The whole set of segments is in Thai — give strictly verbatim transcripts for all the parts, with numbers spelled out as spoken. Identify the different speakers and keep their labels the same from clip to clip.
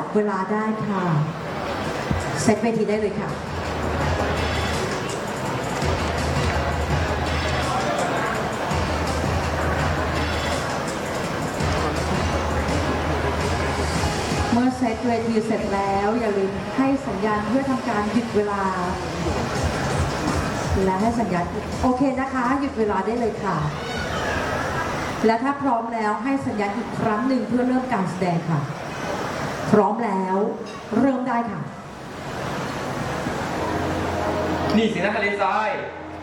Speaker 1: เวลาได้ค่ะเซตเวทีได้เลยค่ะเมื่อเซตเวทีเสร็จแล้วอย่าลืมให้สัญญาณเพื่อทำการหยุดเวลาและให้สัญญาณโอเคนะคะหยุดเวลาได้เลยค่ะและถ้าพร้อมแล้วให้สัญญาณอีกครั้งหนึ่งเพื่อเริ่มการแสดงค่ะพร้อมแล้วเริ่มได้ค่ะ
Speaker 2: นี่สินะทะเลทราย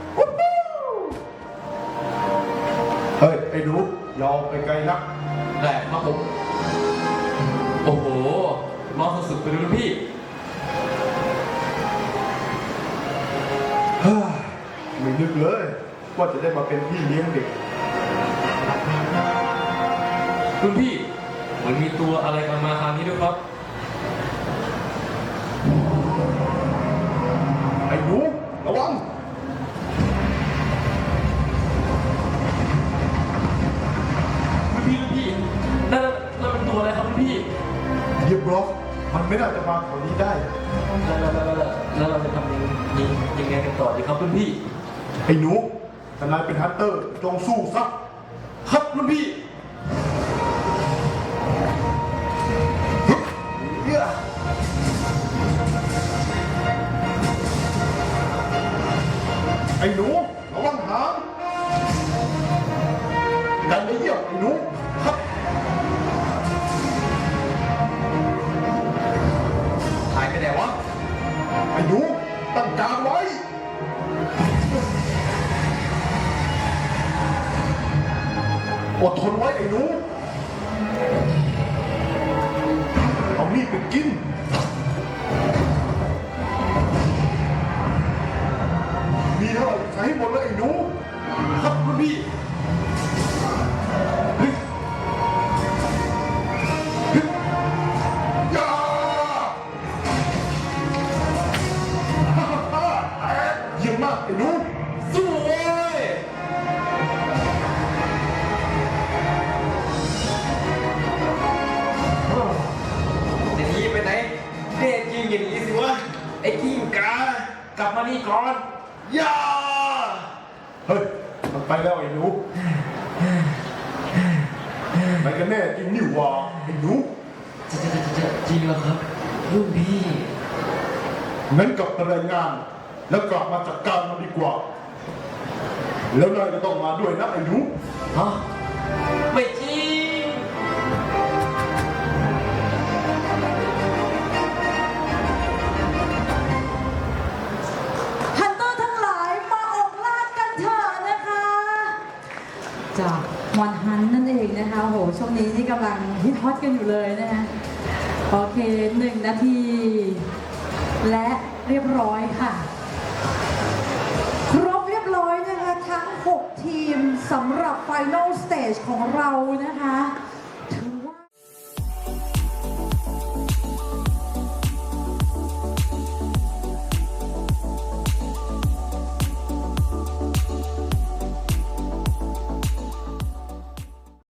Speaker 3: เฮ้ยไอ้หนูยอมไปไกลนัก
Speaker 2: แต่ครับผมโอ้โหร้อนสุดๆไปเลยรุ่นพี่
Speaker 3: เฮ้ยไม่นึกเลยว่าจะได้มาเป็นพี่เลี้ยงเด็ก
Speaker 2: รุ่นพี่เหมือนมีตัวอะไรมามาทางนี้ด้วยครับ
Speaker 3: ไอ้หนูระวัง
Speaker 2: รุ่นพี่รุ่นพี่นั่นนั่นเป็นตัวอะไรครับรุ่นพี่
Speaker 3: เยียบล็อกมันไม่น่าจะมาแถวนี้ได้
Speaker 2: แล้วแล้วแล้วแล้วเราจะทำยังยังยังไงกันต่อดีครับรุ่นพี่
Speaker 3: ไอ้หนูถ้านายเป็นฮันเตอร์จงสู้ซะ
Speaker 2: ครับรุ่นพี่
Speaker 3: ไอ้หนูระวังหางดันไปเยี่ยมไอ้หนูครับ
Speaker 2: หายไปไหนวะ
Speaker 3: ไอ้หนูตั้งการไว้อดทนไว้ไอ้หนูเอามีดไปกินมีเท่าไหร่ใช้หมดเลยไอ้หนู
Speaker 2: ครับรุ่นพี่
Speaker 3: อย่าเยี่ยมมากไอ้หนู
Speaker 2: สู้เว้ยเดี๋ยวนี้ไปไหนเด็กจริงอย่างนี้สิวะไอ้กิ้งกากลับมานี่ก่อนย่า
Speaker 3: เฮ้ยมันไปแล้วไอ้หนูไหนกันแน่จริงนี่หว่าไอ้หนู
Speaker 2: จะจะจะจะจริงเหรอครับรุ่นพี่
Speaker 3: งั้นกลับไปรายงานแล้วกลับมาจัดการมันดีกว่าแล้วนายจะต้องมาด้วยนะไอ้หนู
Speaker 2: ฮะไม่จริง
Speaker 1: ฮันเตอร์ทั้งหลายมาออกล่ากันเถอะนะคะจากมอนฮันนั่นเองนะคะโหช่วงนี้ที่กำลังฮิตฮอตกันอยู่เลยนะคะโอเคหนึ่งนาทีและเรียบร้อยค่ะครบเรียบร้อยนะคะทั้งหกทีมสำหรับ Final Stage ของเรานะคะ